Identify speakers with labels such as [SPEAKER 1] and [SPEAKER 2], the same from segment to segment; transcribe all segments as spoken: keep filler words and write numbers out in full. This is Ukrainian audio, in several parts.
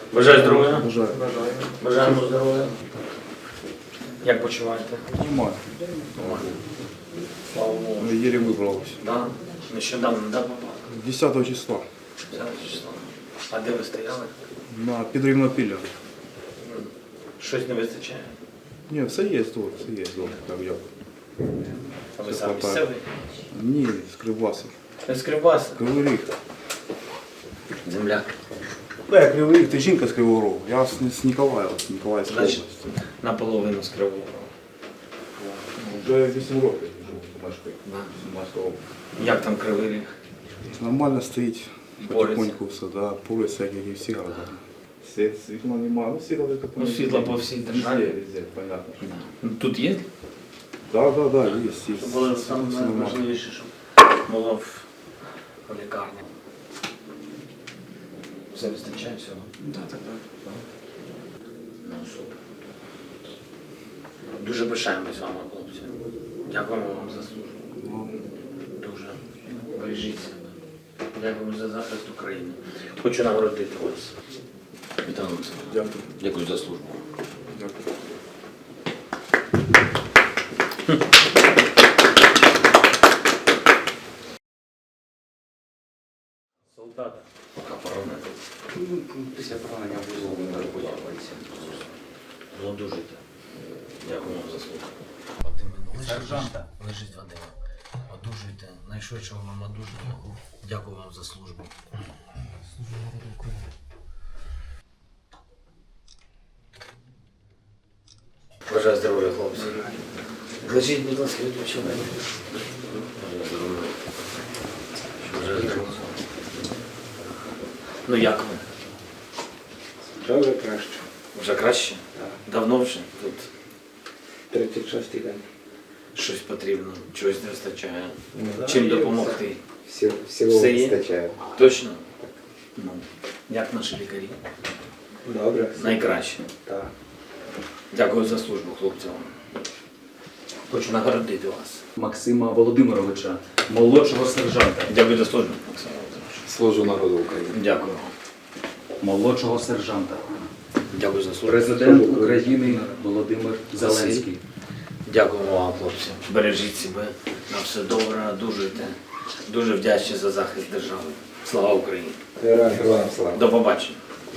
[SPEAKER 1] Бажаю здоров'я.
[SPEAKER 2] Бажаю.
[SPEAKER 1] Бажаємо здоров'я. Як почуваєте?
[SPEAKER 2] Нормально.
[SPEAKER 1] Нормально. Слава Богу.
[SPEAKER 2] Ну, еле выбрался.
[SPEAKER 1] Да? Нещодавно, да, попав?
[SPEAKER 2] десятого числа.
[SPEAKER 1] Зараз число. А де ви стояли?
[SPEAKER 2] На Підрівнопілля.
[SPEAKER 1] Щось не вистачає?
[SPEAKER 2] Ні, все є тут, все є дома, так я.
[SPEAKER 1] А ви
[SPEAKER 2] Все
[SPEAKER 1] сам
[SPEAKER 2] хватає.
[SPEAKER 1] місцевий?
[SPEAKER 2] Ні, з Кривбаса.
[SPEAKER 1] Не з Кривбаса?
[SPEAKER 2] Кривий Ріг.
[SPEAKER 1] Земляк.
[SPEAKER 2] Да, я Кривий Ріг, ти жінка з Кривого Рогу. Я з, з Ніколаєва, з Ніколаївської
[SPEAKER 1] Значить,
[SPEAKER 2] області.
[SPEAKER 1] наполовину з Кривого Рогу.
[SPEAKER 2] Вже вісім років живу в Башки.
[SPEAKER 1] Да.
[SPEAKER 2] Сумська область.
[SPEAKER 1] Як там Кривий Ріг?
[SPEAKER 2] Нормально стоїть.
[SPEAKER 1] Бореться.
[SPEAKER 2] Потихоньку все, да. Полиця, як і всі города. Світ, світла немає, ну світла таке.
[SPEAKER 1] Ну, світла по всій державі.
[SPEAKER 2] Везде, везде, понятно.
[SPEAKER 1] Да. Ну, тут є?
[SPEAKER 2] Да, да, да, є, є.
[SPEAKER 1] Це було
[SPEAKER 2] Все
[SPEAKER 1] саме
[SPEAKER 2] нормально.
[SPEAKER 1] найважливіше, щоб було в в лікарні. Все вистачає всього?
[SPEAKER 2] Да, так, так.
[SPEAKER 1] Ну, супер. Дуже пишаємось вами, хлопці. Дякуємо вам за службу.
[SPEAKER 2] Ну,
[SPEAKER 1] Дуже. Бережіть себе. Дякуємо за захист України. Хочу нагородити вас. Вітаю вас.
[SPEAKER 2] Дякую.
[SPEAKER 1] Дякую за службу.
[SPEAKER 2] Дякую.
[SPEAKER 1] Солдата. Пока поранити. Після поранення вузол не розбудовується. Одужуйте. Дякую вам за службу. Сержанта. Лежить Вадима. Одужуйте. Найшвидшого вам одужання. Дякую вам за службу. Бажаю здоров'я, хлопці. Лежіть, будь ласка, відпочивайте. Бажаю здоров'я. Бажаю здоров'я. Ну як ви?
[SPEAKER 3] Вже вже краще.
[SPEAKER 1] Вже краще?
[SPEAKER 3] Так.
[SPEAKER 1] Давно вже тут
[SPEAKER 3] тридцять шостий день.
[SPEAKER 1] щось потрібно, чогось не вистачає.
[SPEAKER 3] Ну,
[SPEAKER 1] Чим
[SPEAKER 3] да,
[SPEAKER 1] допомогти?
[SPEAKER 3] Всі, всього
[SPEAKER 1] Все є?
[SPEAKER 3] вистачає.
[SPEAKER 1] Точно? Ну, як наші лікарі?
[SPEAKER 3] Добре.
[SPEAKER 1] Найкраще.
[SPEAKER 3] Так.
[SPEAKER 1] Дякую за службу, хлопцям. Хочу нагородити вас.
[SPEAKER 4] Максима Володимировича, молодшого сержанта.
[SPEAKER 1] Дякую за службу, Максим Володимирович.
[SPEAKER 3] Служу народу України.
[SPEAKER 1] Дякую.
[SPEAKER 4] Молодшого сержанта.
[SPEAKER 1] Дякую за службу.
[SPEAKER 4] Президент України Володимир Зеленський.
[SPEAKER 1] Дякуємо вам, хлопці. Бережіть себе. На все добре, одужуйте. Дуже вдячні за захист держави. Слава Україні!
[SPEAKER 3] Героям героям слава.
[SPEAKER 1] До побачення.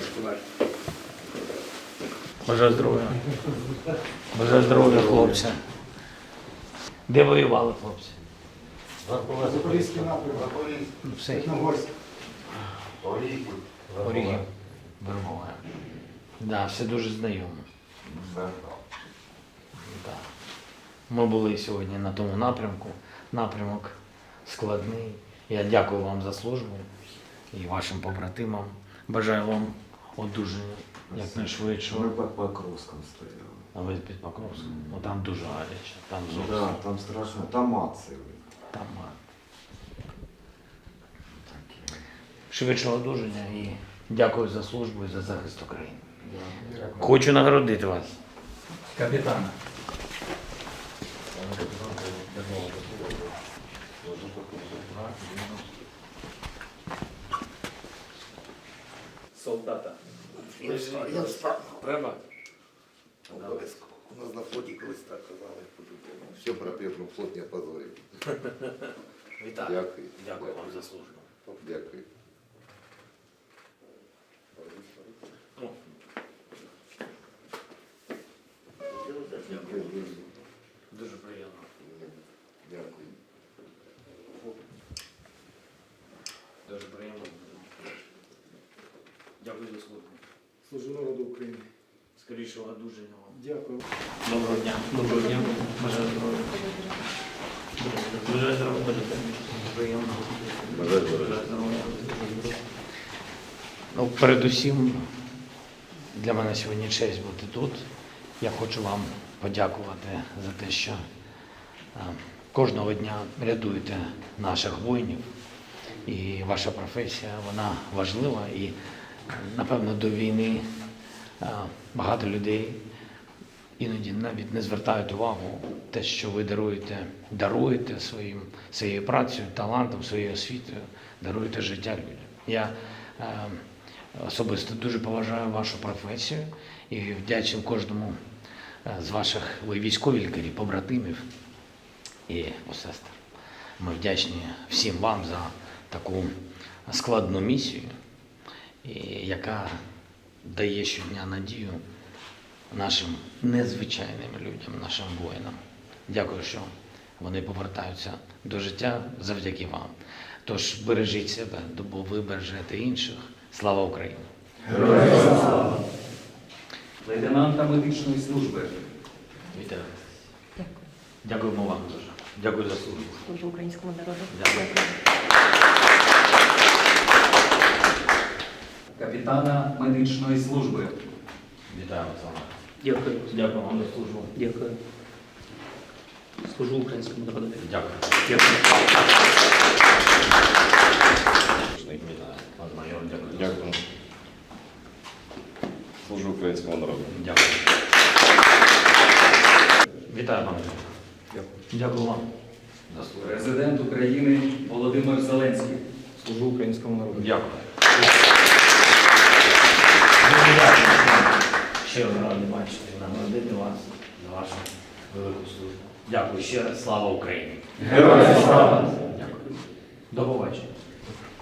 [SPEAKER 1] Бажаю здоров'я. Бажаю здоров'я, хлопці. Де воювали, хлопці?
[SPEAKER 5] Запорізький напрямок,
[SPEAKER 1] Ну, все.
[SPEAKER 5] Чорногорськ.
[SPEAKER 1] Орігів. Вербова. Да, все дуже знайомо. Да. Ми були сьогодні на тому напрямку. Напрямок складний. Я дякую вам за службу і вашим побратимам. Бажаю вам одужання якнайшвидшого.
[SPEAKER 6] Ми під Покровськом стояли.
[SPEAKER 1] А ви під Покровськом? Ну там дуже гаряче, там зовсім.
[SPEAKER 6] Да, там страшно. Там ацели.
[SPEAKER 1] Там а, швидшого одужання і дякую за службу і за захист України. Хочу нагородити вас. Капітана. Солдата.
[SPEAKER 7] Я встав.
[SPEAKER 1] Треба?
[SPEAKER 7] Обов'язково. У нас на флоті колись так казали по-любому. Все про пірну флот не позорив.
[SPEAKER 1] Вітаю.
[SPEAKER 7] Дякую.
[SPEAKER 1] Дякую вам за службу.
[SPEAKER 7] Дякую.
[SPEAKER 1] О. Дякую. Дуже приємно.
[SPEAKER 7] Дякую.
[SPEAKER 1] Дуже приємно. Дякую за службу.
[SPEAKER 5] Служу народу України.
[SPEAKER 1] Скорішого одужання вам.
[SPEAKER 5] Дякую.
[SPEAKER 1] Доброго дня. Доброго дня. Бажаю здоров'я. Бажаю здоров'я. Приємно.
[SPEAKER 7] Бажаю здоров'я.
[SPEAKER 1] Бажаю здоров'я. Ну, передусім, для мене сьогодні честь бути тут. Я хочу вам подякувати за те, що е, кожного дня рятуєте наших воїнів. І ваша професія, вона важлива. І, напевно, до війни е, багато людей іноді навіть не звертають увагу те, що ви даруєте, даруєте своїм, своєю працею, талантом, своєю освітою, даруєте життя людям. Я е, особисто дуже поважаю вашу професію і вдячний кожному е, з ваших, ви військові лікарі, побратимів і сестер. Ми вдячні всім вам за таку складну місію, і яка дає щодня надію нашим незвичайним людям, нашим воїнам. Дякую, що вони повертаються до життя завдяки вам. Тож бережіть себе, бо ви бережете інших. Слава Україні!
[SPEAKER 4] Лейтенанта медичної служби.
[SPEAKER 1] Вітаю.
[SPEAKER 8] Дякую.
[SPEAKER 1] Дякуємо вам дуже. Дякую за службу.
[SPEAKER 8] Служу українському народу.
[SPEAKER 1] Дякую.
[SPEAKER 4] Капітана медичної служби.
[SPEAKER 1] Вітаю, Олександр.
[SPEAKER 9] Дякую.
[SPEAKER 1] Дякую вам за службу.
[SPEAKER 9] Дякую. Служу українському народу.
[SPEAKER 1] Дякую.
[SPEAKER 9] Дякую.
[SPEAKER 1] Вітаю. Пан майор, дякую.
[SPEAKER 10] Дякую. Служу українському народу.
[SPEAKER 1] Дякую. Вітаю, пане. Дякую. Дякую вам. За службу.
[SPEAKER 4] Президент України Володимир Зеленський.
[SPEAKER 5] Служу українському народу.
[SPEAKER 1] Дякую. Дуже дякую. Щиро радий бачити, нагородити вас за вашу велику службу. Дякую ще раз. Слава Україні! Героям слава! Дякую. До побачення.